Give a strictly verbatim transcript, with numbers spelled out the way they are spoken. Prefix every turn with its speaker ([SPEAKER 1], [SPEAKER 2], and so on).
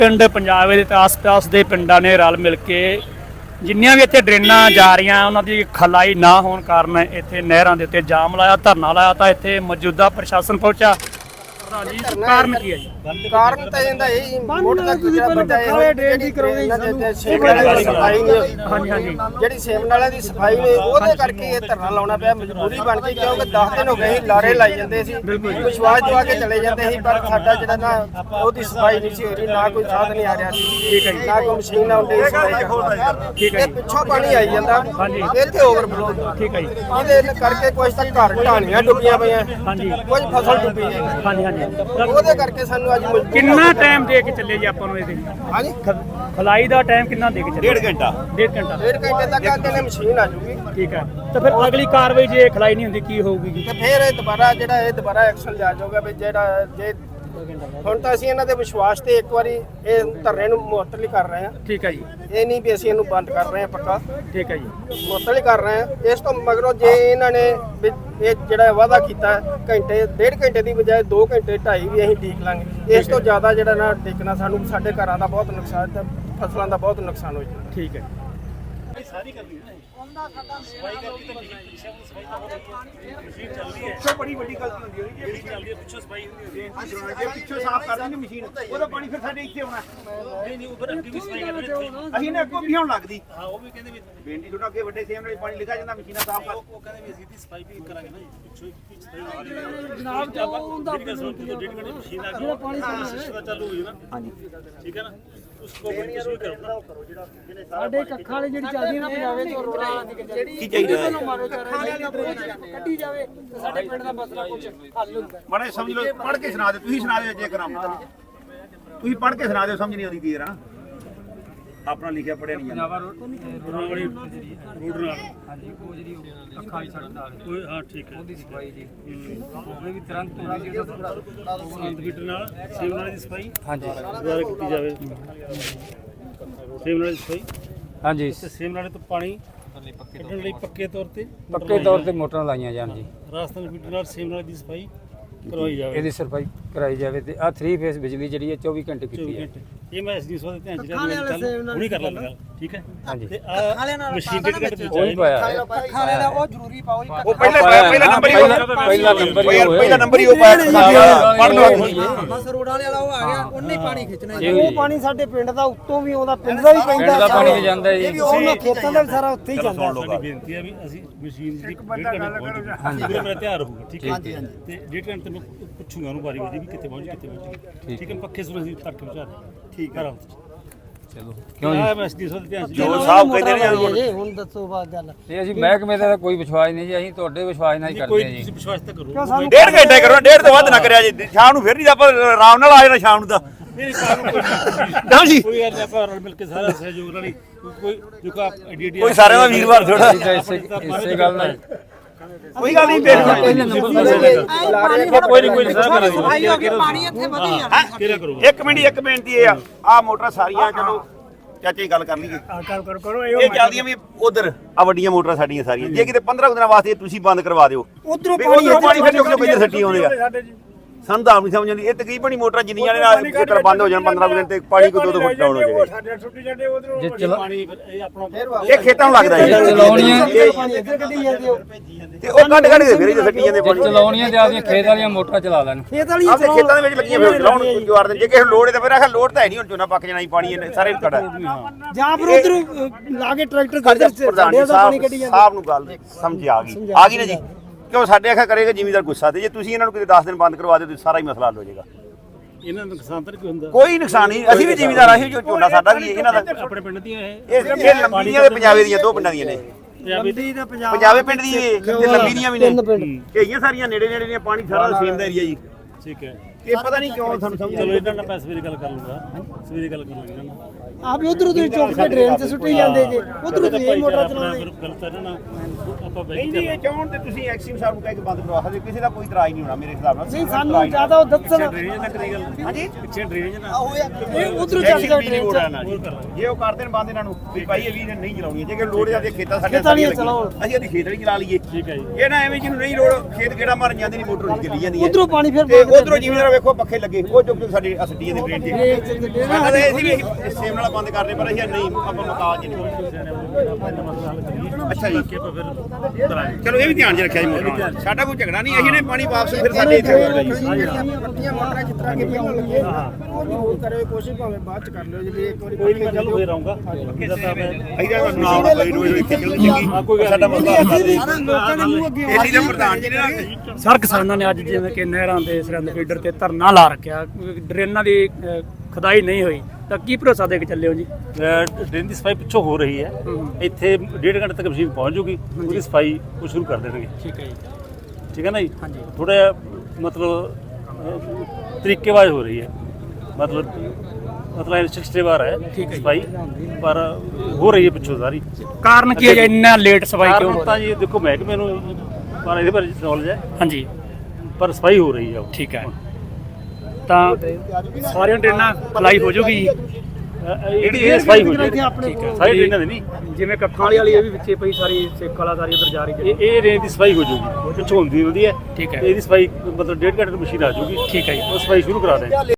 [SPEAKER 1] ਪਿੰਡ ਪੰਜਾਬ ਦੇ ਤੇ ਆਸ-ਪਾਸ ਦੇ ਪਿੰਡਾਂ ਨੇ ਰਲ ਮਿਲ ਕੇ ਜਿੰਨੀਆਂ ਵੀ ਇੱਥੇ ਡਰੇਨਾਂ ਜਾ ਰਹੀਆਂ ਉਹਨਾਂ ਦੀ ਖਲਾਈ ਨਾ ਹੋਣ ਕਾਰਨ ਇੱਥੇ ਨਹਿਰਾਂ ਦੇ ਉੱਤੇ ਜਾਮ ਲਾਇਆ, ਧਰਨਾ ਲਾਇਆ ਤਾਂ ਇੱਥੇ ਮੌਜੂਦਾ ਪ੍ਰਸ਼ਾਸਨ ਪਹੁੰਚਿਆ। ਜੀ ਕਾਰਨ ਕੀ ਹੈ ਜੀ?
[SPEAKER 2] ਕਾਰਨ ਤਾਂ ਇਹਦਾ ਇਹ ਮੋਟਰ ਦਾ ਜਿਹੜਾ ਵੱਡਾ ਇਹ ਡਰੇਨ ਦੀ ਕਰਾਉਣੀ ਸਾਨੂੰ ਸਫਾਈ ਨਹੀਂ।
[SPEAKER 1] ਹਾਂਜੀ ਹਾਂਜੀ
[SPEAKER 2] ਜਿਹੜੀ ਸੇਮ ਨਾਲਿਆਂ ਦੀ ਸਫਾਈ ਨੇ ਉਹਦੇ ਕਰਕੇ ਇਹ ਧਰਨਾ ਲਾਉਣਾ ਪਿਆ, ਮਜਬੂਰੀ ਬਣ ਗਈ ਕਿਉਂਕਿ ਦਸ ਦਿਨ ਹੋ ਗਏ ਸੀ ਲਾਰੇ ਲਾਈ ਜਾਂਦੇ ਸੀ, ਵਿਸ਼ਵਾਸ ਦਵਾ ਕੇ ਚਲੇ ਜਾਂਦੇ ਸੀ, ਪਰ ਸਾਡਾ ਜਿਹੜਾ ਨਾ ਉਹਦੀ ਸਫਾਈ ਨਹੀਂ ਸੀ ਹੋ ਰਹੀ, ਨਾ ਕੋਈ ਸਾਧਨ ਨਹੀਂ ਆ ਰਿਹਾ ਸੀ, ਠੀਕ ਹੈ, ਨਾ ਕੋਈ ਮਸ਼ੀਨ ਆਉਂਦੀ ਸਫਾਈ ਠੀਕ ਹੈ। ਪਿੱਛੋਂ ਪਾਣੀ ਆਈ ਜਾਂਦਾ ਇੱਥੇ ਓਵਰਫਲੋ, ਠੀਕ ਹੈ ਜੀ, ਇਹਦੇ ਕਰਕੇ ਕੁਝ ਤਾਂ ਘਰ ਢਾਣੀਆਂ ਡੁੱਬੀਆਂ ਪਈਆਂ, ਹਾਂਜੀ, ਕੁਝ ਫਸਲ ਡੁੱਬੀ ਹੈ, ਹਾਂਜੀ ਹਾਂਜੀ, ਉਹਦੇ ਕਰਕੇ ਸਾਨੂੰ ਅੱਜ
[SPEAKER 1] ਕਿੰਨਾ ਟਾਈਮ ਦੇ ਕੇ ਚੱਲੇ ਜੀ ਆਪਾਂ ਨੂੰ ਇਹਦੇ?
[SPEAKER 2] ਹਾਂਜੀ
[SPEAKER 1] ਖਲਾਈ ਦਾ ਟਾਈਮ ਕਿੰਨਾ ਦੇ ਕੇ ਚੱਲੇ?
[SPEAKER 3] ਡੇਢ ਘੰਟਾ
[SPEAKER 1] ਡੇਢ ਘੰਟਾ
[SPEAKER 2] ਡੇਢ ਘੰਟੇ ਤੱਕ ਕਹਿੰਦੇ ਮਸ਼ੀਨ ਆ ਜੂਗੀ,
[SPEAKER 1] ਠੀਕ ਹੈ। ਤਾਂ ਫਿਰ ਅਗਲੀ ਕਾਰਵਾਈ ਜੇ ਖਲਾਈ ਨਹੀਂ ਹੁੰਦੀ ਕੀ ਹੋਊਗੀ ਜੀ?
[SPEAKER 2] ਤੇ ਫਿਰ ਇਹ ਦੁਬਾਰਾ ਜਿਹੜਾ ਇਹ ਦੁਬਾਰਾ ਐਕਸ਼ਨ ਲਿਆ ਜਾਊਗਾ ਵੀ ਜਿਹੜਾ ਜੇ ਹੁਣ ਤਾਂ ਅਸੀਂ ਇਹਨਾਂ ਦੇ ਵਿਸ਼ਵਾਸ ਤੇ ਇੱਕ ਵਾਰੀ ਇਹ ਧਰਨੇ ਨੂੰ ਮੁਅੱਤਲ ਕਰ ਰਹੇ ਹਾਂ,
[SPEAKER 1] ਠੀਕ ਹੈ ਜੀ,
[SPEAKER 2] ਇਹ ਨਹੀਂ ਵੀ ਅਸੀਂ ਇਹਨੂੰ ਬੰਦ ਕਰ ਰਹੇ ਹਾਂ, ਪੱਕਾ
[SPEAKER 1] ਠੀਕ ਹੈ ਜੀ,
[SPEAKER 2] ਮੁਅੱਤਲ ਹੀ ਕਰ ਰਹੇ ਹਾਂ। ਇਸ ਤੋਂ ਮਗਰੋਂ ਜੇ ਇਹਨਾਂ ਨੇ ਵੀ ਇਹ ਜਿਹੜਾ ਵਾਅਦਾ ਕੀਤਾ ਘੰਟੇ ਡੇਢ ਘੰਟੇ ਦੀ ਬਜਾਏ ਦੋ ਘੰਟੇ ਢਾਈ ਵੀ ਅਸੀਂ ਡੀਕ ਲਾਂਗੇ, ਇਸ ਤੋਂ ਜ਼ਿਆਦਾ ਜਿਹੜਾ ਨਾ ਡਿੱਕਣਾ ਸਾਨੂੰ ਸਾਡੇ ਘਰਾਂ ਦਾ ਬਹੁਤ ਨੁਕਸਾਨ ਤੇ ਫਸਲਾਂ ਦਾ ਬਹੁਤ ਨੁਕਸਾਨ ਹੋ ਜਾਣਾ।
[SPEAKER 1] ਠੀਕ ਹੈ।
[SPEAKER 3] ਸਾਰੀ ਕਰਨੀ ਹੈ ਉਹਦਾ ਸਾਡਾ ਸਫਾਈ ਕਰਕੇ ਤਾਂ ਪਿੱਛੇ ਸਫਾਈ ਤਾਂ ਹੋ ਰਹੀ ਹੈ, ਮਸ਼ੀਨ ਚੱਲ ਰਹੀ ਹੈ, ਸਭ ਬੜੀ ਵੱਡੀ ਗਲਤੀ ਹੁੰਦੀ ਹੈ ਜਿਹੜੀ ਚੱਲਦੀ ਹੈ, ਪਿੱਛੋਂ ਸਫਾਈ ਹੁੰਦੀ ਹੈ, ਜੇ ਪਿੱਛੋਂ ਸਾਫ਼ ਕਰ ਦਿੰਦੀ ਮਸ਼ੀਨ ਉਹਦਾ ਪਾਣੀ ਫਿਰ ਸਾਡੇ ਇੱਥੇ ਆਉਣਾ, ਨਹੀਂ ਨਹੀਂ ਉੱਪਰ ਅੱਗੇ ਵੀ ਸਫਾਈ ਕਰਦੇ ਅਸੀਂ ਨੇ ਅੱਗੋਂ ਵੀ ਆਉਣ ਲੱਗਦੀ, ਹਾਂ ਉਹ ਵੀ ਕਹਿੰਦੇ ਵੀ ਬੇਨਤੀ ਥੋੜਾ ਅੱਗੇ ਵੱਡੇ ਸੇਮ ਨਾਲ ਪਾਣੀ ਲਿਖਿਆ ਜਾਂਦਾ, ਮਸ਼ੀਨਾਂ ਸਾਫ਼ ਕਰ, ਉਹ ਕਹਿੰਦੇ ਵੀ ਅਸੀਂ ਦੀ ਸਫਾਈ ਵੀ ਕਰਾਂਗੇ ਨਾ ਪਿੱਛੋਂ ਪਿੱਛੇ ਜਨਾਬ ਜੋ ਉਹਦਾ ਡੇਢ ਘੰਟੇ ਮਸ਼ੀਨ ਆ ਗਈ ਪਾਣੀ ਚਾਲੂ ਹੋਈ ਨਾ, ਹਾਂਜੀ ਠੀਕ ਹੈ ਨਾ,
[SPEAKER 4] ਸਾਡੇ ਕੱਖਾਂ ਵਾਲੀ ਜਿਹੜੀ ਚੱਲਦੀ ਨਾ ਪੰਜਾਬੇ ਤੋਂ ਰੋੜਾ ਜਿਹੜੀ
[SPEAKER 3] ਕੀ ਚਾਹੀਦਾ
[SPEAKER 4] ਕੱਢੀ ਜਾਵੇ ਤੇ ਸਾਡੇ ਪਿੰਡ ਦਾ ਮਸਲਾ ਕੁਝ ਹੱਲ ਹੁੰਦਾ।
[SPEAKER 3] ਮਾੜਾ ਸਮਝ ਲਓ, ਪੜ੍ਹ ਕੇ ਸੁਣਾ ਦਿਓ, ਤੁਸੀਂ ਸੁਣਾ ਦਿਓ ਜੇ ਕਰਾਂ ਤੁਸੀਂ ਪੜ੍ਹ ਕੇ ਸੁਣਾ ਦਿਓ, ਸਮਝ ਨਹੀਂ ਆਉਂਦੀ ਕੀ ਯਾਰ ਆਪਣਾ ਲਿਖਿਆ ਪੜਿਆ ਨਹੀਂ ਜਾਂਦਾ।
[SPEAKER 1] ਵਾਲੀ ਰੋਡ ਨਾਲ,
[SPEAKER 4] ਹਾਂਜੀ ਉਹ ਜਿਹੜੀ ਅੱਖਾਂ ਵਾਲੀ ਸੜਕ ਨਾਲ
[SPEAKER 1] ਉਹ ਹਾਂ ਠੀਕ ਹੈ,
[SPEAKER 4] ਉਹਦੀ ਸਫਾਈ ਜੀ ਉਹਨੇ ਵੀ ਤੁਰੰਤ ਹੋਣੀ ਜੀ
[SPEAKER 1] ਸੰਤ ਮੀਟਰ ਨਾਲ ਸੇਮ ਨਾਲ ਦੀ ਸਫਾਈ
[SPEAKER 4] ਹਾਂਜੀ
[SPEAKER 1] ਦੁਬਾਰਾ ਕੀਤੀ ਜਾਵੇ, ਸੇਮ ਨਾਲ ਦੀ ਸਫਾਈ,
[SPEAKER 4] ਹਾਂਜੀ
[SPEAKER 1] ਤੇ ਸੇਮ ਨਾਲੇ ਤੋਂ ਪਾਣੀ ਕੱਢਣ ਲਈ ਪੱਕੇ ਤੌਰ ਤੇ
[SPEAKER 4] ਪੱਕੇ ਤੌਰ ਤੇ ਮੋਟਰਾਂ ਲਾਈਆਂ ਜਾਣ ਜੀ,
[SPEAKER 1] ਰਾਜਸਥਾਨ ਮੀਟਰ ਨਾਲ ਸੇਮ ਨਾਲ ਦੀ ਸਫਾਈ ਕਰਵਾਈ ਜਾਵੇ,
[SPEAKER 4] ਇਹਦੀ ਸਫਾਈ ਕਰਾਈ ਜਾਵੇ ਤੇ ਆ ਥ੍ਰੀ ਫੇਸ ਬਿਜਲੀ ਜਿਹੜੀ ਹੈ ਚੌਵੀ ਘੰਟੇ ਕੀਤੀ
[SPEAKER 1] ਚੌਵੀ
[SPEAKER 4] ਹੈ।
[SPEAKER 1] ਘੰਟੇ ਇਹ ਮੈਂ ਐਸਡੀ ਸਵਾਦ ਧਿਆਨ ਚ ਰੱਖ ਹੁਣੀ ਕਰ ਲਾਂਗਾ, ਠੀਕ ਹੈ,
[SPEAKER 4] ਹਾਂਜੀ
[SPEAKER 1] ਤੇ ਆ ਮਸ਼ੀਨ ਦੇ ਘੱਟ
[SPEAKER 4] ਉਹ ਹੀ ਪਾਇਆ ਹੈ,
[SPEAKER 2] ਖਾਣੇ ਦਾ ਉਹ ਜ਼ਰੂਰੀ ਪਾਓ
[SPEAKER 3] ਉਹ ਪਹਿਲੇ ਪਹਿਲਾ ਨੰਬਰ ਹੀ
[SPEAKER 4] ਪਹਿਲਾ ਨੰਬਰ ਹੀ ਹੋਇਆ,
[SPEAKER 3] ਪਹਿਲਾ ਨੰਬਰ ਹੀ ਉਹ ਪਾਇਆ ਪੜ੍ਹ ਲਓ
[SPEAKER 2] ਬਸ ਰੋਡਾਂ ਵਾਲਾ ਉਹ ਆ ਗਿਆ, ਉਹਨੇ ਪਾਣੀ ਖਿੱਚਣਾ,
[SPEAKER 4] ਉਹ
[SPEAKER 2] ਪਾਣੀ ਸਾਡੇ ਪਿੰਡ ਦਾ ਉੱਤੋਂ ਵੀ ਆਉਂਦਾ, ਪਿੰਡ ਦਾ ਵੀ
[SPEAKER 4] ਪਿੰਡ ਦਾ ਪਾਣੀ ਵੀ ਜਾਂਦਾ ਜੀ,
[SPEAKER 2] ਉਹਨਾਂ ਖੇਤਾਂ ਦਾ ਵੀ ਸਾਰਾ ਉੱਥੇ ਹੀ ਜਾਂਦਾ।
[SPEAKER 1] ਸਾਡੀ ਬੇਨਤੀ ਹੈ ਵੀ ਅਸੀਂ ਮਸ਼ੀਨ ਦੀ ਡੇਢ ਘੰਟੇ ਪਹੁੰਚ ਪੂਰਾ ਮੇਰਾ ਤਿਆਰ ਰਹੂਗਾ, ਠੀਕ ਹੈ, ਤੇ ਡੇਢ ਘੰਟੇ ਮੈਂ ਪੁੱਛੂਗਾ ਉਹਨੂੰ ਵਾਰੀ ਵਾਰੀ ਵੀ ਕਿੱਥੇ ਪਹੁੰਚ ਕਿੱਥੇ ਪਹੁੰਚ, ਠੀਕ ਹੈ, ਪੱਕੇ ਸੁਣ ਅਸੀਂ ਤੱਕ ਵਿਚਾਰ ਠੀਕ ਹੈ,
[SPEAKER 4] ਚਲੋ ਕਿਉਂ ਜੀ
[SPEAKER 1] ਮੈਂ ਐਸਡੀ ਸਵਾਦ ਧਿਆਨ ਚ
[SPEAKER 3] ਜੋ ਸਾਹਿਬ ਕਹਿੰਦੇ ਨੇ
[SPEAKER 2] ਹੁਣ ਦੱਸੋ ਬਾਤ ਗੱਲ,
[SPEAKER 4] ਇਹ ਅਸੀਂ ਮਹਿਕਮੇ ਦਾ ਕੋਈ ਵਿਸ਼ਵਾਸ ਨਹੀਂ ਜੀ, ਅਸੀਂ ਤੁਹਾਡੇ ਵਿਸ਼ਵਾਸ ਨਾਲ ਹੀ ਕਰਦੇ
[SPEAKER 1] ਕੋਈ
[SPEAKER 4] ਹਾਂ ਜੀ।
[SPEAKER 1] ਤੁਸੀਂ ਵਿਸ਼ਵਾਸ ਤਾਂ ਕਰੋ,
[SPEAKER 3] ਡੇਢ ਘੰਟੇ ਕਰੋ, ਡੇਢ ਤੋਂ ਵੱਧ ਨਾ ਕਰਿਆ ਜੀ, ਸ਼ਾਮ ਨੂੰ ਫਿਰ ਨਹੀਂ ਆਪਾਂ ਆਰਾਮ ਨਾਲ ਆ ਜਾਣਾ ਸ਼ਾਮ ਨੂੰ ਤਾਂ
[SPEAKER 1] ਨਹੀਂ ਕਾਰਨ ਕੋਈ
[SPEAKER 3] ਨਾ ਜੀ,
[SPEAKER 1] ਕੋਈ ਗੱਲ ਨਹੀਂ, ਆਪਾਂ ਰਲ ਮਿਲ ਕੇ ਸਾਰਾ ਸਹਿਯੋਗ ਨਾਲ ਹੀ ਕੋਈ ਜੋ ਕਾ ਐਡੀਡੀ
[SPEAKER 3] ਕੋਈ ਸਾਰਿਆਂ ਦਾ ਵੀਰਵਾਰ ਥੋੜਾ
[SPEAKER 4] ਠੀਕ ਹੈ, ਇਸੇ ਇਸੇ ਗੱਲ ਨਾਲ
[SPEAKER 3] ਕੋਈ ਗੱਲ ਨਹੀਂ ਦੇਖੋ
[SPEAKER 1] ਕੋਈ ਨਹੀਂ ਕੋਈ ਸਾਰਾ ਕਰਾਂਗੇ,
[SPEAKER 2] ਪਾਣੀ ਇੱਥੇ ਵਧੀ ਜਾਣਾ।
[SPEAKER 1] ਕਿਹੜਾ ਕਰੂਗਾ
[SPEAKER 3] ਇੱਕ ਮਿੰਟ ਇੱਕ ਬੇਨਤੀ ਇਹ ਆ ਆ ਮੋਟਰਾਂ ਸਾਰੀਆਂ ਚਲੋ ਚਾਚੇ ਗੱਲ ਕਰ ਲਈਏ,
[SPEAKER 1] ਕਰ ਕਰ ਕਰੋ
[SPEAKER 3] ਇਹ ਚੱਲਦੀਆਂ ਵੀ ਉਧਰ ਆ ਵੱਡੀਆਂ ਮੋਟਰਾਂ ਸਾਡੀਆਂ ਸਾਰੀਆਂ, ਜੇ ਕਿਤੇ ਪੰਦਰਾਂ ਕੁ ਦਿਨਾਂ ਵਾਸਤੇ ਤੁਸੀਂ ਬੰਦ ਕਰਵਾ ਦਿਓ
[SPEAKER 2] ਉਧਰੋਂ
[SPEAKER 3] ਉਧਰੋਂ ਪਾਣੀ ਫਿਰ ਚੁੱਕ ਚੁੱਕ ਇੱਧਰ ਸੱਟੀ ਆਉਂਦੇ ਆ, ਸਾਨੂੰ ਤਾਂ ਆਪ ਨਹੀਂ ਸਮਝ ਆਉਂਦੀ, ਇਹ ਤਕਰੀਬਨ ਹੀ ਮੋਟਰਾਂ ਜਿੰਨੀਆਂ ਨੇ ਨਾਲ ਜੇਕਰ ਬੰਦ ਹੋ ਜਾਣ ਪੰਦਰਾਂ ਦਿਨ ਤੇ ਪਾਣੀ ਕੋਈ ਦੋ ਦੋ ਫੁੱਟ ਡਾਊਨ ਹੋ ਜਾਵੇ,
[SPEAKER 4] ਜੇ ਚਲਾ
[SPEAKER 1] ਪਾਣੀ ਇਹ ਆਪਣਾ
[SPEAKER 3] ਇਹ ਖੇਤਾਂ ਨੂੰ ਲੱਗਦਾ ਜੀ,
[SPEAKER 4] ਚਲਾਉਣੀਆਂ
[SPEAKER 2] ਇੱਧਰ ਕੱਢੀ ਜਾਂਦੇ ਹੋ,
[SPEAKER 3] ਤੇ ਉਹ ਕੱਢ ਕੱਢ ਕੇ ਫਿਰ ਇਹ ਸੱਟੀ ਜਾਂਦੇ
[SPEAKER 4] ਜੇ
[SPEAKER 3] ਪਾਣੀ,
[SPEAKER 4] ਚਲਾਉਣੀਆਂ ਤੇ ਆਪਦੀਆਂ ਖੇਤ ਵਾਲੀਆਂ ਮੋਟਰਾਂ ਚਲਾ ਲੈਣ,
[SPEAKER 2] ਖੇਤ ਵਾਲੀ
[SPEAKER 3] ਆਪਦੇ ਖੇਤਾਂ ਦੇ ਵਿੱਚ ਲੱਗੀਆਂ ਫਿਰ ਚਲਾਉਣ ਜਵਾਰ ਦੇ, ਜੇ ਕਿਸੇ ਲੋੜ ਹੈ ਤਾਂ ਫਿਰ ਆਖਾ ਲੋੜ ਤਾਂ ਹੈ ਨਹੀਂ, ਹੁਣ ਝੋਨਾ ਪੱਕ ਜਾਣਾ ਹੀ ਪਾਣੀ ਇਹਨੇ ਸਾਰੇ ਕੱਢਾ
[SPEAKER 2] ਜਾਂ ਫਿਰ ਉਧਰ ਲਾ ਕੇ ਟਰੈਕਟਰ
[SPEAKER 3] ਪ੍ਰਧਾਨ ਜੀ ਸਾਹਿਬ ਸਾਹਿਬ ਨੂੰ ਗੱਲ ਸਮਝ ਆ ਗਈ ਆ ਗਈ ਨਾ ਜੀ, ਕਿਉਂ ਸਾਡੇ ਆਖਾ ਕਰੇਗਾ ਜ਼ਿਮੀਦਾਰ ਗੁੱਸਾ ਤੇ ਜੇ ਤੁਸੀਂ ਇਹਨਾਂ ਨੂੰ ਕਿਤੇ ਦਸ ਦਿਨ ਬੰਦ ਕਰਵਾ ਦਿਓ ਤੇ ਸਾਰਾ ਹੀ ਮਸਲਾ ਹੱਲ ਹੋ ਜਾਏਗਾ,
[SPEAKER 1] ਇਹਨਾਂ ਦਾ ਨੁਕਸਾਨ ਤਾਂ ਨਹੀਂ ਕੋਈ ਹੁੰਦਾ,
[SPEAKER 3] ਕੋਈ ਨੁਕਸਾਨ ਨਹੀਂ, ਅਸੀਂ ਵੀ ਜ਼ਿਮੀਦਾਰ ਆ, ਅਸੀਂ ਜੋ ਝੋਨਾ ਸਾਡਾ ਵੀ ਇਹਨਾਂ ਦਾ
[SPEAKER 1] ਆਪਣੇ ਪਿੰਡ ਦੀਆਂ ਇਹ
[SPEAKER 3] ਇਹ ਇਹ ਲੰਬੀਆਂ ਤੇ ਪੰਜਾਬੇ ਦੀਆਂ ਦੋ ਪਿੰਡਾਂ ਦੀਆਂ ਨੇ,
[SPEAKER 1] ਪੰਜਾਬੀ ਦਾ ਪੰਜਾਬ
[SPEAKER 3] ਪੰਜਾਬੇ ਪਿੰਡ ਦੀ ਇਹ ਤੇ ਲੰਬੀ ਦੀਆਂ ਵੀ ਨੇ, ਕਈਆਂ ਸਾਰੀਆਂ ਨੇੜੇ ਨੇੜੇ ਦੀਆਂ ਪਾਣੀ ਸਾਰਾ ਸੇਮ ਦਾ ਏਰੀਆ ਜੀ,
[SPEAKER 1] ਠੀਕ ਹੈ,
[SPEAKER 3] ਇਹ ਪਤਾ ਨਹੀਂ ਕਿਉਂ ਤੁਹਾਨੂੰ ਸਮਝ
[SPEAKER 1] ਚਲੋ ਇਹਨਾਂ ਨਾਲ ਮੈਂ ਸਵੇਰੇ ਗੱਲ ਕਰ ਲੂੰਗਾ, ਸਵੇਰੇ ਗੱਲ ਕਰ ਲੂੰਗਾ ਇਹਨਾਂ ਨਾਲ,
[SPEAKER 2] ਆਪ ਉਧਰ ਉਧਰ ਚੌਕ ਤੇ ਡਰੇਨ ਤੇ ਸੁੱਟੀ ਜਾਂਦੇ ਜੇ ਉਧਰ ਉਧਰ ਇਹ ਮੋਟਰ ਚਲਾਉਂਦੇ,
[SPEAKER 1] ਗਲਤ ਹੈ ਨਾ, ਆਪਾਂ
[SPEAKER 3] ਨਹੀਂ ਜੀ ਇਹ ਚਾਹਣ ਤੇ ਤੁਸੀਂ ਐਕਸਿਮ ਸਾਹਿਬ ਨੂੰ ਕਹਿ ਕੇ ਬੰਦ ਕਰਵਾ ਸਕਦੇ, ਕਿਸੇ ਦਾ ਕੋਈ ਇਤਰਾਜ਼ ਨਹੀਂ ਹੋਣਾ ਮੇਰੇ ਹਿਸਾਬ ਨਾਲ,
[SPEAKER 2] ਨਹੀਂ ਸਾਨੂੰ ਜ਼ਿਆਦਾ ਉਹ ਦੱਸਣ
[SPEAKER 1] ਡਰੇਨੇਜ ਨਾ ਕਰੀ ਗੱਲ, ਹਾਂਜੀ ਪਿੱਛੇ ਡਰੇਨੇਜ ਨਾ
[SPEAKER 2] ਇਹ ਉਧਰ ਚੱਲ ਜਾ ਟ੍ਰੇਨ
[SPEAKER 3] ਜੇ ਉਹ ਕਰਦੇ ਨੇ ਬੰਦ ਇਹਨਾਂ ਨੂੰ ਵੀ ਭਾਈ ਇਹ ਵੀ ਨਹੀਂ ਚਲਾਉਣੀ, ਜੇ ਕਿ ਲੋੜ ਜਾਂ ਖੇਤਾਂ ਸਾਡੇ
[SPEAKER 2] ਖੇਤਾਂ ਵਾਲੀਆਂ ਚਲਾਓ,
[SPEAKER 3] ਅਸੀਂ ਇਹਦੀ ਖੇਤ ਵਾਲੀ ਚਲਾ ਲਈਏ,
[SPEAKER 1] ਠੀਕ ਹੈ ਜੀ,
[SPEAKER 3] ਇਹ ਨਾ ਐਵੇਂ ਜਿਹਨੂੰ ਨਹੀਂ ਲੋੜ ਖੇਤ ਕਿਹੜਾ ਮਾਰਨ ਜਾਂਦੇ ਨਹੀਂ ਮੋਟਰ ਚੱਲੀ ਜਾਂਦੀ ਹੈ,
[SPEAKER 2] ਉਧਰੋਂ ਪਾਣੀ ਫਿਰ
[SPEAKER 3] ਤੇ ਉਧਰੋਂ ਜਿਵੇਂ ਵੇਖੋ ਪੱਖੇ ਲੱਗੇ ਉਹ ਜੋ ਸਾਡੀ ਅਸਟੀਆਂ ਦੇ ਡਰੇਨ ਤੇ ਸਾਡਾ ਤਾਂ ਇਹ ਸੀ ਵੀ ਅਸੀਂ ਸੇਮ ਨਾਲ ਬੰਦ ਕਰਦੇ ਪਰ ਅਸੀਂ ਨਹੀਂ ਆਪਾਂ ਮੁਕਾਜ ਨਹੀਂ ਅੱਛਾ ਜੀ ਚਲੋ ਇਹ ਵੀ ਧਿਆਨ 'ਚ ਰੱਖਿਆ ਜੀ ਮੋਟਰ ਸਾਡਾ ਕੋਈ ਝਗੜਾ ਨਹੀਂ ਅਸੀਂ ਨੇ ਪਾਣੀ ਵਾਪਸ ਫਿਰ ਸਾਡੇ ਇੱਥੇ
[SPEAKER 2] ਪੱਟੀਆਂ ਮੋਟਰਾਂ ਜਿਸ ਤਰ੍ਹਾਂ ਕਿ ਪਹਿਲਾਂ ਲੱਗੇ ਉਹ ਜ਼ਰੂਰ ਕਰਿਓ ਕੋਸ਼ਿਸ਼ ਭਾਵੇਂ ਬਾਅਦ ਚ ਕਰ ਲਿਓ ਜੀ ਇੱਕ ਵਾਰੀ
[SPEAKER 5] ਕੋਈ ਨਹੀਂ ਚਲੋ ਫੇਰ ਆਉਂਗਾ ਬਾਕੀ ਦਾ ਤਾਂ ਮੈਂ
[SPEAKER 3] ਅਸੀਂ ਤਾਂ ਨਾਲ ਕੋਈ ਨੂੰ ਇੱਥੇ ਚੱਲ ਚੰਗੀ ਕੋਈ ਸਾਡਾ ਮਸਲਾ ਹੱਲ ਕਰ ਦੇ
[SPEAKER 2] ਲੋਕਾਂ ਦੇ ਮੂੰਹ ਅੱਗੇ
[SPEAKER 3] ਏਸੀ ਦਾ ਪ੍ਰਧਾਨ ਜੀ ਨੇ
[SPEAKER 1] ਸਰ ਕਿਸਾਨਾਂ ਨੇ ਅੱਜ ਜਿਵੇਂ ਕਿ ਨਹਿਰਾਂ ਦੇ ਸਰਹੰਦ ਫੀਡਰ ਤੇ ਧਰਨਾ ਲਾ ਰੱਖਿਆ ਡਰੇਨਾਂ ਦੀ ਅਹ, ਖੁਦਾਈ ਨਹੀਂ ਹੋਈ ਤਾਂ ਕੀ ਭਰੋਸਾ ਦੇ ਕੇ ਚੱਲੇ ਹੋ ਜੀ
[SPEAKER 5] ਡਰੇਨ ਦੀ ਸਫਾਈ ਪਿੱਛੋਂ ਹੋ ਰਹੀ ਹੈ ਇੱਥੇ ਡੇਢ ਘੰਟੇ ਤੱਕ ਮਸ਼ੀਨ ਪਹੁੰਚ ਜੂਗੀ ਉਹਦੀ ਸਫਾਈ ਉਹ ਸ਼ੁਰੂ ਕਰ ਦੇਣਗੇ
[SPEAKER 1] ਠੀਕ ਹੈ ਜੀ
[SPEAKER 5] ਠੀਕ ਹੈ ਨਾ ਜੀ
[SPEAKER 1] ਹਾਂਜੀ।
[SPEAKER 5] ਥੋੜਾ ਜਿਹਾ ਮਤਲਬ ਅਹ, ਤਰੀਕੇਵਾਰ ਹੋ ਰਹੀ ਹੈ ਮਤਲਬ ਮਤਲਬ ਸਿਕਸਟੀ ਵਾਰ ਹੈ
[SPEAKER 1] ਠੀਕ ਹੈ ਜੀ।
[SPEAKER 5] ਸਫਾਈ ਪਰ ਹੋ ਰਹੀ ਹੈ ਪਿੱਛੋਂ ਸਾਰੀ
[SPEAKER 1] ਕਾਰਨ ਕੀ ਹੈ ਜੀ ਇੰਨਾ ਲੇਟ ਸਫਾਈ ਕਿਉਂ
[SPEAKER 5] ਕਾਰਨ
[SPEAKER 1] ਹੋ
[SPEAKER 5] ਤਾਂ
[SPEAKER 1] ਰਹੀ
[SPEAKER 5] ਜੀ ਦੇਖੋ ਮਹਿਕਮੇ ਨੂੰ ਪਰ ਇਹਦੇ ਬਾਰੇ ਨੌਲੇਜ ਹੈ
[SPEAKER 1] ਹਾਂਜੀ
[SPEAKER 5] ਪਰ ਸਫਾਈ ਹੋ ਰਹੀ ਹੈ ਉਹ।
[SPEAKER 1] ਠੀਕ ਹੈ ਤਾਂ ਸਾਰੀਆਂ ਟ੍ਰੇਨਾਂ ਖਲਾਈ ਹੋ ਜੂਗੀ ਜੀ
[SPEAKER 5] ਅਹ, ਇਹਦੀ ਇਹ ਸਫਾਈ ਹੋ ਜਾਏਗੀ
[SPEAKER 1] ਠੀਕ ਹੈ
[SPEAKER 5] ਸਾਰੀ ਟ੍ਰੇਨਾਂ ਦੀ ਨਹੀਂ
[SPEAKER 1] ਜਿਵੇਂ ਕੱਖਾਂ ਵਾਲੀ ਵਾਲੀ ਇਹ ਵੀ ਵਿੱਚੇ ਪਈ ਸਾਰੀ ਸਿੱਖ ਵਾਲਾ ਸਾਰੀ ਉਧਰ ਜਾ ਰਹੀ
[SPEAKER 5] ਇਹ ਇਹ ਰੇਂਜ ਦੀ ਸਫਾਈ ਹੋ ਜਾਊਗੀ ਪਿੱਛੋਂ ਹੁੰਦੀ ਹੁੰਦੀ ਹੈ
[SPEAKER 1] ਠੀਕ ਹੈ।
[SPEAKER 5] ਤੇ ਇਹਦੀ ਸਫਾਈ ਮਤਲਬ ਡੇਢ ਘੰਟੇ ਦੀ ਮਸ਼ੀਨ ਆ ਜਾਊਗੀ
[SPEAKER 1] ਠੀਕ ਹੈ ਜੀ।
[SPEAKER 5] ਉਹ ਸਫਾਈ ਸ਼ੁਰੂ ਕਰਾ ਦੇं